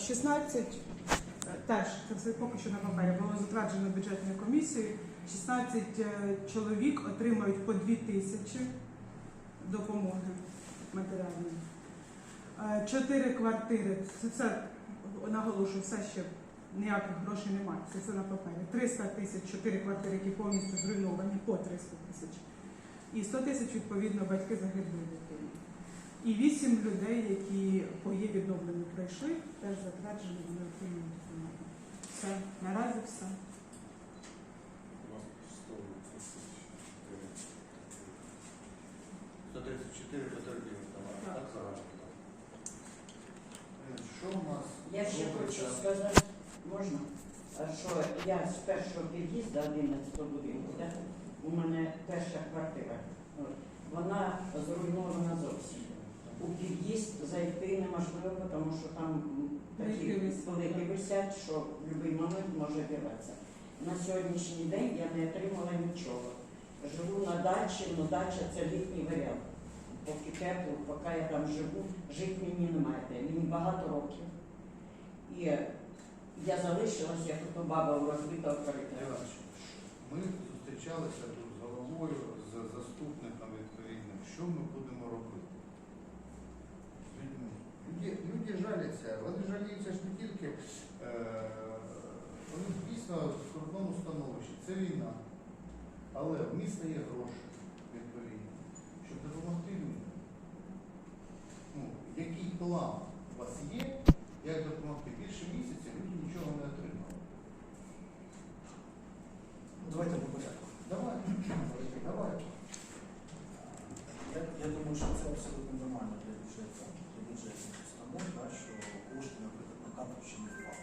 16, теж, це все поки що на папері, було затверджено бюджетною комісією. 16 чоловік отримають по 2 тисячі допомоги матеріальної. 4 квартири, це все, наголошую, все ще ніяких грошей немає, це все на папері. 300 тисяч, 4 квартири, які повністю зруйновані, по 300 тисяч. І 100 тисяч, відповідно, батьки загиблої дитини. І 8 людей, які по є відновленню пройшли, теж затверджені, вони отримують допомогу. Все, наразі все. 134 потерпілих товарів. Так загально. Що у нас? Я ще хочу сказати, можна, що я з першого під'їзду 11 будинку, да, у мене перша квартира, вона зруйнована зовсім. У під'їзд зайти неможливо, тому що там такі великі висять, що в будь-який момент може вірватися. На сьогоднішній день я не отримала нічого. Живу на дачі, але дача це літній варіант. Поки тепло, поки я там живу, жити мені немає. Мені багато років. І я залишилась, як ото баба у розбитого коридору. Ми зустрічалися тут з головою, з заступником відповідним. Що ми будемо робити з людьми? Люди жаляться, вони жаліються ж не тільки, вони дійсно в скрутному становищі. Це війна. Але в міста є гроші, відповідно, щоб допомогти людям. Ну, який план у вас є, як допомогти? Більше місяця люди нічого не отримали. Давайте по порядку. Давай. Я думаю, що це абсолютно нормально для бюджетних установ, да, що кошти, наприклад, на карту ще не впали.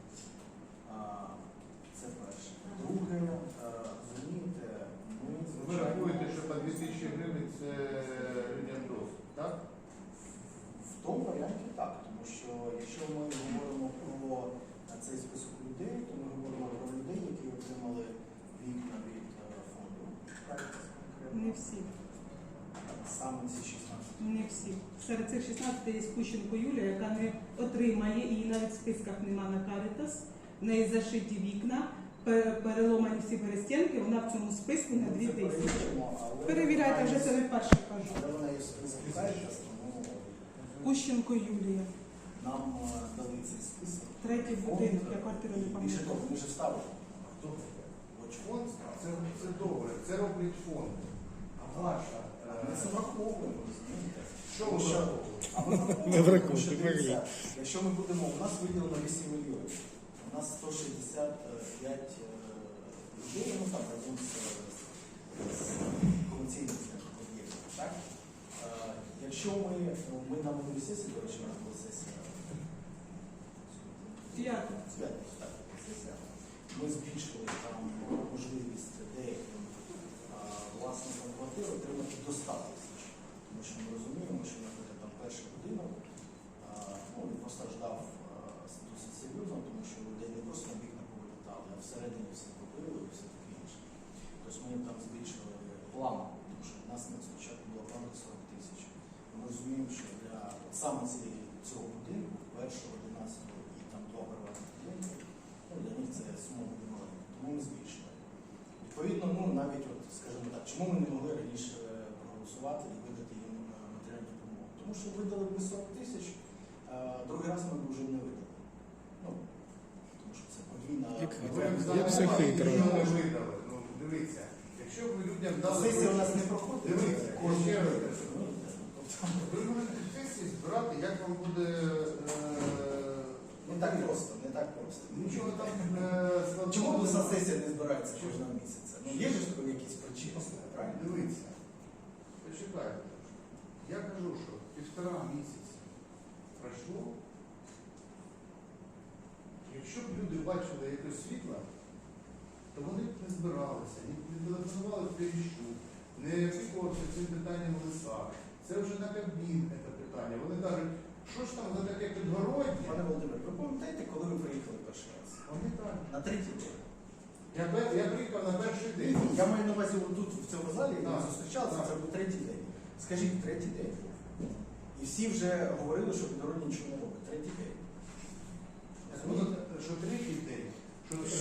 Це перше. Друге, розумієте, ми Ви рахуєте, що по 2000 гривень це людям досить, так? в тому варіанті так, тому що якщо ми говоримо про цей список людей, то ми говоримо про людей, які отримали вікна від фонду. Не всі. Саме ці 16. Не всі. Серед цих 16 є Кущенко Юлія, яка не отримає, її навіть в списках нема на Caritas. В неї зашиті вікна, переломані всі перестінки, вона в цьому списку на 2 тисячі. Перевіряйте, вже це не вперше кажу. Але вона є в списку Caritas, тому Кущенко Юлія. нам дали цей список. 3-й будинок, я квартиру не Більше того, пам'ятаю. ми вже ставили. Хто? Фонд? Це добре, це роблять фонд. А ваша? Ми це враховуємо, розумієте? Що ви враховуєте? А ми враховуємо, тому що дивіться, якщо ми будемо, у нас виділено 8 мільйонів, у нас 165 людей, ну там разом з комерційним об'єктом, так? Якщо ми на минулій сесії, до речі, у нас була сесія, так, сесія, ми збільшили там можливість деяким власникам квартир отримати до 100 тисяч. Тому що ми розуміємо, що, наприклад, там перший будинок він постраждав досить серйозно, тому що людей не просто на вікна повилітали, а всередині все побили і все таке інше. Тобто ми там збільшили план, тому що в нас спочатку була плана 40 тисяч. Ми розуміємо, що для саме цього будинку, першого, 11-го і там 2 приватних будинки, для них це сума буде маленька. Тому ми збільшили. Відповідно, навіть, скажімо так, чому ми не могли раніше проголосувати і видати їм матеріальну допомогу? Тому що видали б 40 тисяч, другий раз ми б вже не видали. Тому що це подвійна... Як все хитро. Не видали. Ну, дивіться, якщо ви людям дали... Сесія у нас не проходить. Дивіться, ви можете сесії збирати, як вам буде... Не так просто, не так просто. Нічого там складного. Чому обласна сесія не збирається кожного місяця? Є ж якісь причини, правильно? Дивіться, почекайте. Я кажу, що 1,5 місяці пройшло. Якщо б люди бачили якесь світло, то вони б не збиралися, не телефонували Кліщу, не опікувалися цим питанням в лисах. Це вже на Кабмін це питання. Вони кажуть, що ж там за таке підгороднє? Пане Володимир, ви пам'ятаєте, коли ви приїхали перший раз? Пам'ятаю. На 3-й день. Я приїхав на перший день. Я маю на увазі тут, в цьому залі, ми Так. зустрічалися, це був 3-й день. Скажіть, 3-й день був. І всі вже говорили, що підгородні нічого не робить. 3-й день.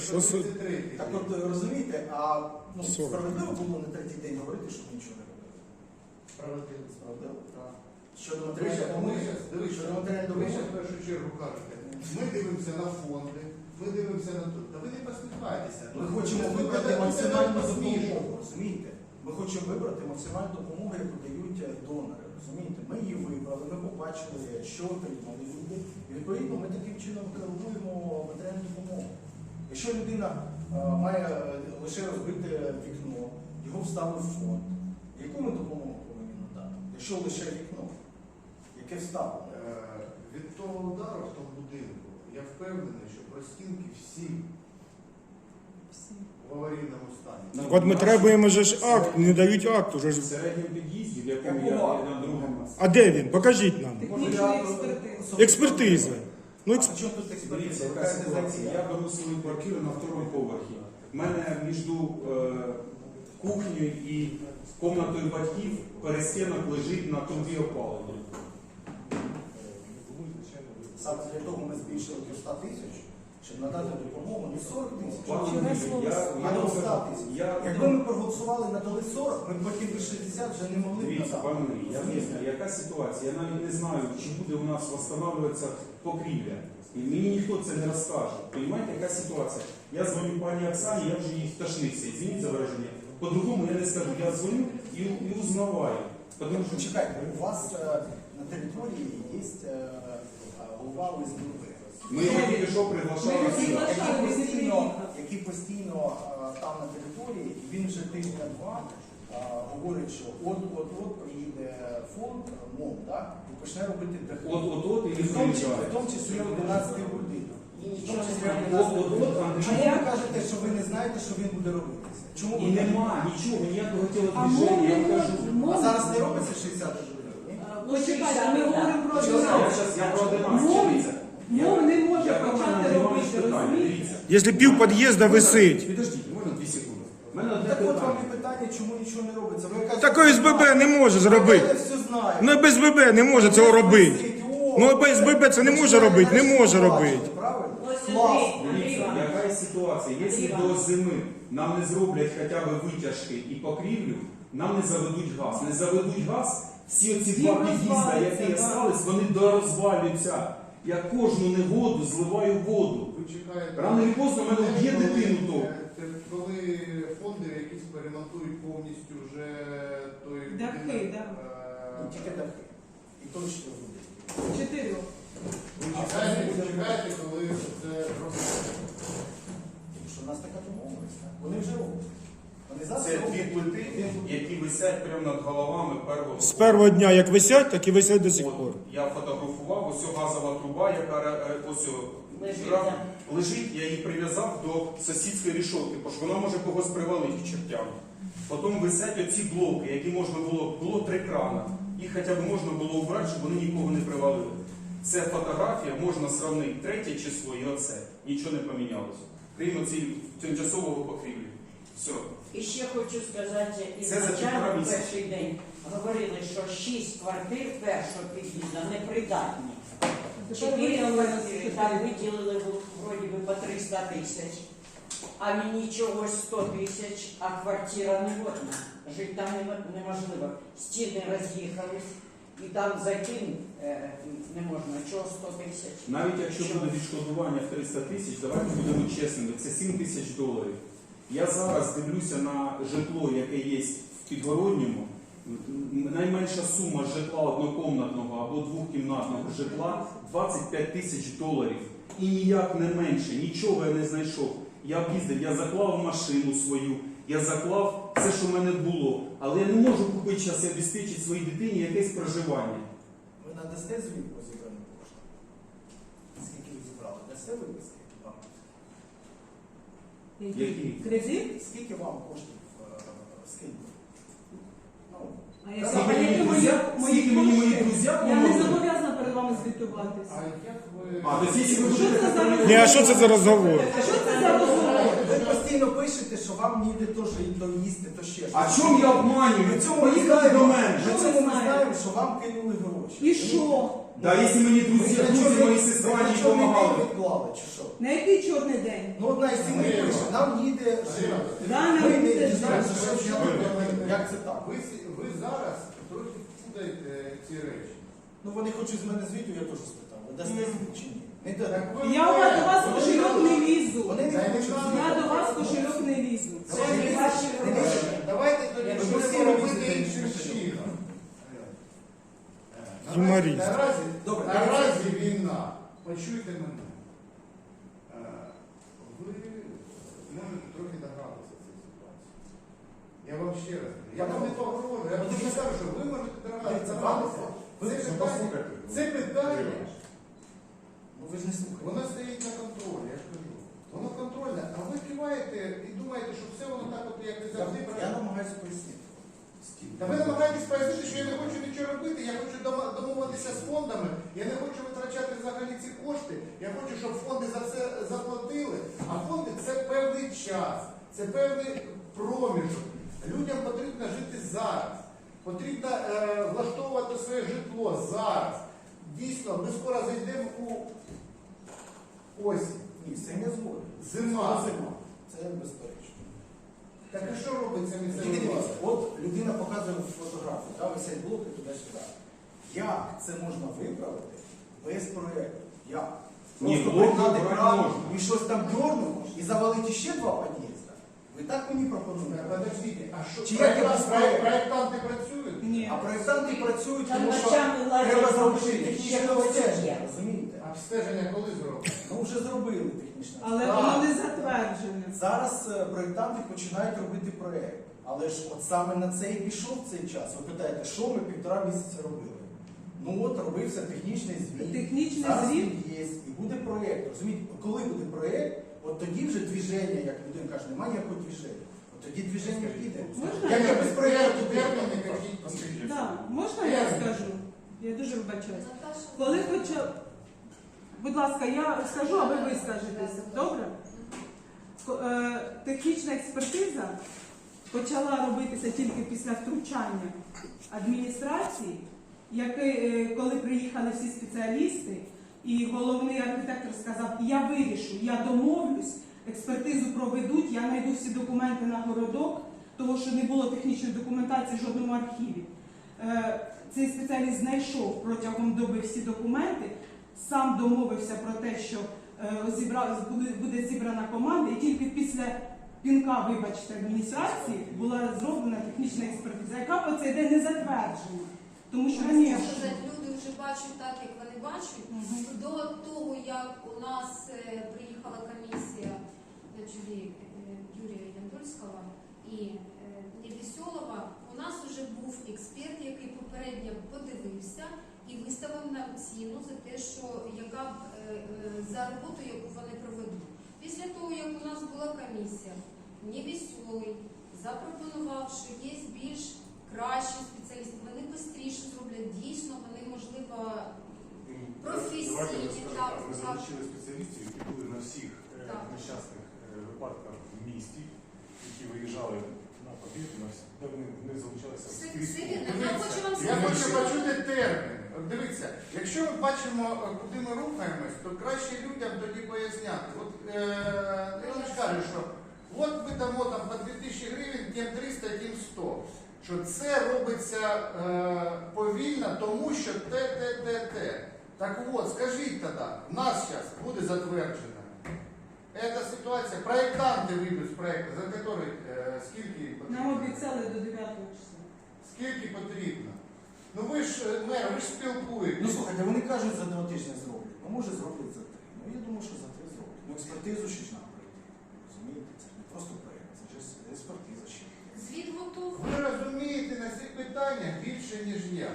Що це? 33. Так от розумієте, а ну, 40. справедливо було на третій день говорити, щоб нічого не робили. Справедливо. Справедливо? Так. Щодо Ви матеріальної щас- допомоги, дивись, щодо матеріальної ви допомоги. щас в першу чергу кажете, ми дивимося на фонди, ми дивимося на тут. Та ви не посміхайтеся. Ми хочемо Ви вибрати ведете максимальну себе смішно. допомогу, розумієте? Ми хочемо вибрати максимальну допомогу, яку дають донори, розумієте? Ми її вибрали, ми побачили, що отримали люди. І відповідно ми таким чином керуємо матеріальну допомогу. Якщо людина має лише розбите вікно, його вставив в фонд, яку ми допомогу повинні надати? Якщо лише вікно, яке вставлено? Від того удару в тому будинку, я впевнений, що простінки всі в аварійному стані. От ми требуємо же ж акт, не дають акт уже ж. В середньому під'їзді, в якому я Якого? на другому. А де він? Покажіть нам. Технічної експертизи. Експертиза. Ну, А при чому тут експертиза? Дивіться, Ви яка кажете, ситуація. за Я беру свою квартиру на второму поверхі. У мене між кухнею і кімнатою батьків перестінок лежить на трубі опалення. Саме для того ми збільшили до 100 тисяч, щоб надати допомогу не 40 тисяч, Пане Чого Юрію, слово а до 100 тисяч. я- Якби ми проголосували надали 40, ми б потім би 60 вже не могли б Дивіться, надати. пане Юрій, я виясню, яка ситуація. Я навіть не знаю, чи буде у нас встановлюватися покрівля. І мені ніхто це не розкаже. Понимаєте, яка ситуація? Я дзвоню пані Оксані, я вже їй втошнився. Извините за вираження. По-другому я не скажу. Я дзвоню і узнаваю. Тому що Чекайте, у вас на території є голова ОСББ. ми його тільки що приглашали. Ми сюди. приглашали. Який постійно там на території, і він вже тижня-два говорить, що от приїде фонд, МОМ, так, і почне робити дахи. От і В тому числі приїжджає. 11 будинок. В тому числі 11 От, будинок. Андрій. Чому ви кажете, що ви не знаєте, що він буде робитися? Чому І ви так нема кажете? нічого, ніякого А тілодвіження, я вам кажу. А зараз не робиться 60 будинок? ні? Почекайте, ми говоримо про Я одинадцять. зараз я про 11, Мов- дивіться. Мов не може Я почати Іванович робити, питання, розумієте? дивіться. Якщо пів під'їзда висить. Підождіть, можна 2 секунди. У мене одне Так от вам питання. і питання, чому нічого не робиться. Ви кажете, Такої СББ не може зробити. Я все знаю. Ну без СББ не може цього робити. Ну без СББ це не може робити, не може робити. Правильно? Ось Класно. Дивіться, яка ситуація? Якщо до зими нам не зроблять хоча б витяжки і покрівлю, нам не заведуть газ. Не заведуть газ, всі оці два Він під'їзда, розвалюється, які да. остались, вони дорозвалюються. Я кожну негоду зливаю воду. Ви чекаєте. Рано чи поздно в мене вб'є Коли- дитину то. Коли фонди якісь перемонтують повністю вже той Дахи, будинок, да. Ну, тільки дахи. І точно буде. 4. Ви чекаєте, коли це робиться. Тому що в нас така домовленість. так? Вони вже роблять. Вони зараз Це дві роблять. плити, які висять прямо над головами первого. З першого дня як висять, так і висять до сих От, пор. я фотографував, ось газова труба, яка ось Лежить, ра- да. лежить, я її прив'язав до сусідської рішотки, бо ж вона може когось привалити к чертям. Потім висять оці блоки, які можна було 3 крана. Їх хоча б можна було убрати, щоб вони нікого не привалили. Це фотографія, можна сравнити 3 число і оце. Нічого не помінялося. Крім оцієї тимчасового покрівлі. Все. І ще хочу сказати, Це за ізначально півтора в місяця. перший день говорили, що 6 квартир першого під'їзду непридатні. 4 квартири, там виділили вроді би по 300 тисяч, а мені чогось 100 тисяч, а квартира не годна. Жити там неможливо. Стіни роз'їхались, і там зайти не можна. Чого 100 тисяч? Навіть якщо буде відшкодування в 300 тисяч, давайте будемо чесними, це 7 тисяч доларів. Я зараз дивлюся на житло, яке є в Підгородньому. Найменша сума житла однокомнатного або двохкімнатного житла 25 тисяч доларів. І ніяк не менше, нічого я не знайшов. Я об'їздив, я заклав машину свою, я заклав все, що в мене було. Але я не можу купити зараз і обезпечити своїй дитині якесь проживання. Ви надасте звіт по зібраним коштам? Скільки ви зібрали? Дасте виписки? Вам? Які? Кредит? Скільки вам коштів скинули? Ну, А я Скільки сама- мені які друзі- скільки мені мої кошти? друзі Я не помогли? зобов'язана перед вами звітуватися. А як ви... А, то якщо ви Що будете це за перевіряти- Ні, а що це за розговор? А що це за розмова? ви постійно пишете, що вам ніде то їсти, то ще щось. А чому я обманюю? При цьому ми Поїхали знаємо, до мене. при Що цьому ви ми знаєте? знаємо, що вам кинули гроші. І що? Да, якщо мені друзі, мої сестра не допомагали. відклали, чи що? На який чорний день? Ну, одна із сімей пише, нам їде жива. Да, Ми нам не їде дізнаємося, жива. що як це так. Ви зараз трохи путаєте ці речі. Ну, вони хочуть з мене звіту, я теж спитав. Ви дасте звіт чи ні? Не дадуть. Я до вас в кошельок не лізу. Вони не хочуть звіту. Я до вас в кошельок не лізу. Давайте тоді Ви будемо всі робити робите іншим іншим чином. Юморист. Добре, Наразі війна. Почуйте мене. Ви можете трохи догадатися цієї ситуації. Я вам ще раз кажу. Я вам не погрожую. Я вам не кажу, що ви можете догадатися. Це питання. Ну, ви ж не слухаєте. Воно стоїть на контролі, я ж кажу. Воно контрольне, а ви киваєте і думаєте, що все воно так от, як і завжди Я правильно. намагаюся пояснити. Та ви намагаєтесь пояснити, що я не хочу нічого робити, я хочу домовитися з фондами, я не хочу витрачати взагалі ці кошти, я хочу, щоб фонди за це заплатили, а фонди це певний час, це певний проміжок. Людям потрібно жити зараз, потрібно влаштовувати своє житло зараз. Дійсно, ми скоро зайдемо у осінь. Ні, це не згоден. Зима. Зима. Це безперечно. Так а що робиться Тільки місцевий дивіться, влада? от людина показує фотографію, да, висять блоки туди-сюди. Як це можна виправити без проєкту? Як? Ні, Просто блоки пригнати брати кран можна. і щось там дьорнути і завалити ще 2 під'їзда? Ви так мені пропонуєте? Подождите, а що Чи як я без проєкту? проєктанти працюють? Ні. А проєктанти працюють, Там тому що ночами ладять треба зробити машини, технічне ще обстеження, є. розумієте? Обстеження коли зроблять? Ну вже зробили технічне Але обстеження. воно не затверджене. Зараз проєктанти починають робити проєкт. Але ж от саме на це і пішов цей час. Ви питаєте, що ми 1,5 місяця робили? Ну от робився технічний звіт. Технічний Зараз звіт? він є, і буде проєкт. Розумієте, коли буде проєкт, от тоді вже движення, як людина каже, немає ніякого движення. От тоді движення піде. Можна Як я без проєкту терміни якісь? Да, можна я скажу? Я дуже вибачаюсь. Коли почав... Будь ласка, я скажу, а ви скажетеся. Добре? Технічна експертиза почала робитися тільки після втручання адміністрації, коли приїхали всі спеціалісти, і головний архітектор сказав, я вирішу, я домовлюсь, експертизу проведуть, я знайду всі документи на городок, того, що не було технічної документації в жодному архіві. Цей спеціаліст знайшов протягом доби всі документи, сам домовився про те, що буде зібрана команда, і тільки після пінка, вибачте, адміністрації була зроблена технічна експертиза, яка по цей день не затверджена. Тому що раніше... Люди вже бачать так, як вони бачать. До того, як у нас приїхала комісія на чолі Юрія Яндольського і Невеселова, у нас вже був експерт, який попередньо подивився і виставив нам ціну за те, що яка за роботу, яку вони проведуть. Після того, як у нас була комісія, Невеселий запропонував, що є більш кращі спеціалісти, вони швидше зроблять, дійсно, вони, можливо, професійні. Ми залучили спеціалістів, які були на всіх нещасних випадках в місті, які виїжджали на побіг, де вони залучалися скрізь. Я хочу вам Я хочу сказати, почути терміни. От дивіться, якщо ми бачимо, куди ми рухаємось, то краще людям тоді поясняти. От Іванович каже, що от ми дамо там по 2000 гривень, тим 300, тим 100. Що це робиться повільно, тому що те. Так от, скажіть тоді, в нас зараз буде затверджена ця ситуація, проєктанти вийдуть з проєкту, за який скільки їм Нам потрібно? обіцяли до 9 числа. Скільки потрібно? Ну ви ж, мер, ви ж Ну спілкуєтесь. слухайте, вони кажуть, за 2 тижні зроблять. Ну може зроблять за 3. Ну я думаю, що за 3 зроблять. Ну експертизу ще ж нам пройти. Розумієте, це ж не просто проєкт, це ж експертиза ще. звіт готовий. Ви розумієте на цих питаннях більше, ніж я.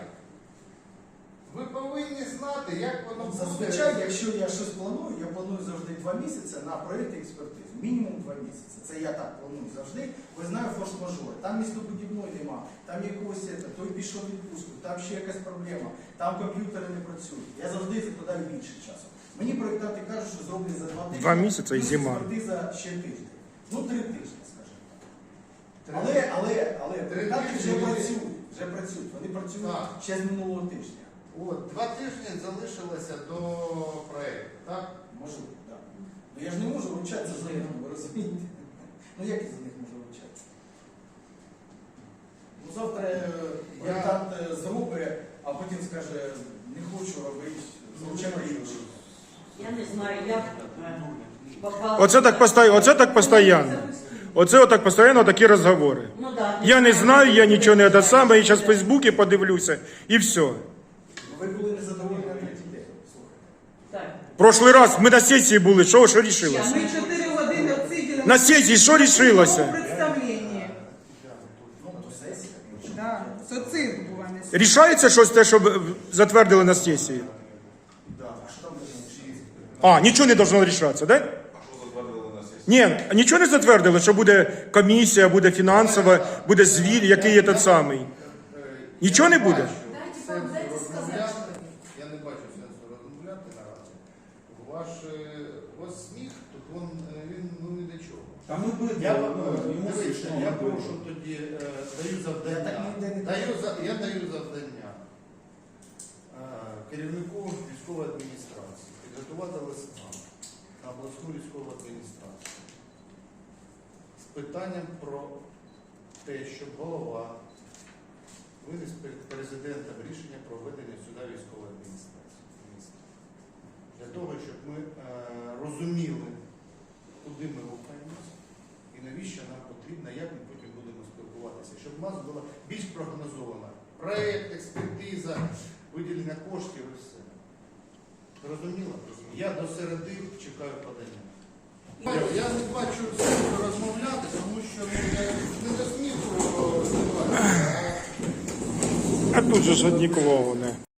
Ви повинні знати, як воно буде. Зазвичай, якщо я щось планую, я планую завжди 2 місяці на проєкт і експертизу. Мінімум 2 місяці. Це я так планую завжди. Ви знаю форс-мажори. Там містобудівної нема, там якогось, той пішов в відпустку, там ще якась проблема, там комп'ютери не працюють. Я завжди закладаю більше часу. Мені проєктанти кажуть, що зроблять за 2 тижні. 2 місяці і плюс зима. експертиза ще тиждень. Ну 3 тижні, скажімо так. Треба. Але проєктанти вже тижні. працюють. Вже працюють. Вони працюють Так. ще з минулого тижня. От, 2 тижні залишилося до проєкту, так? Може бути, так. Ну я ж не можу вручатися за них, ви розумієте? Ну як я за них можу вручатися? Ну завтра проєктант зробить, а потім скаже, не хочу робити, звичайно інший. Я не знаю, як попала. Оце так постійно. Оце отак постійно такі розговори. Ну, да, Я не знаю, я нічого не те саме, я зараз в Фейсбуці подивлюся і все. Ну, ви були незадоволені на третій день, слухайте. Так. Прошлий раз ми на сесії були, що рішилося? Ми 4 години отсиділи. На сесії що рішилося? Представлення. Ну, то сесія. Да. Це цирк був, а не суд. Рішається щось те, що затвердили на сесії? Да. А що там должно бути? А, нічого не должно рішатися, так? Да? Ні, нічого не затвердили, що буде комісія, буде фінансова, буде звіт, який є той самий. Нічого не буде? Дайте сказати. Я не бачу сенсу розмовляти наразі. Ваш сміх, тут він не до чого. Та ми будемо, Я, йому дивіться, смішно. я прошу тоді, даю завдання. Я даю завдання керівнику військової адміністрації підготувати листа на обласну військову адміністрацію з питанням про те, щоб голова виніс перед президентом рішення про введення сюди військової адміністрації міста. Для того, щоб ми розуміли, куди ми рухаємося і навіщо нам потрібно, як ми потім будемо спілкуватися, щоб у нас була більш прогнозована проєкт, експертиза, виділення коштів і все. Зрозуміло? Я до середи чекаю подання. Я не бачу сенсу розмовляти, тому що я не до сміху. А тут же ж одні клоуни.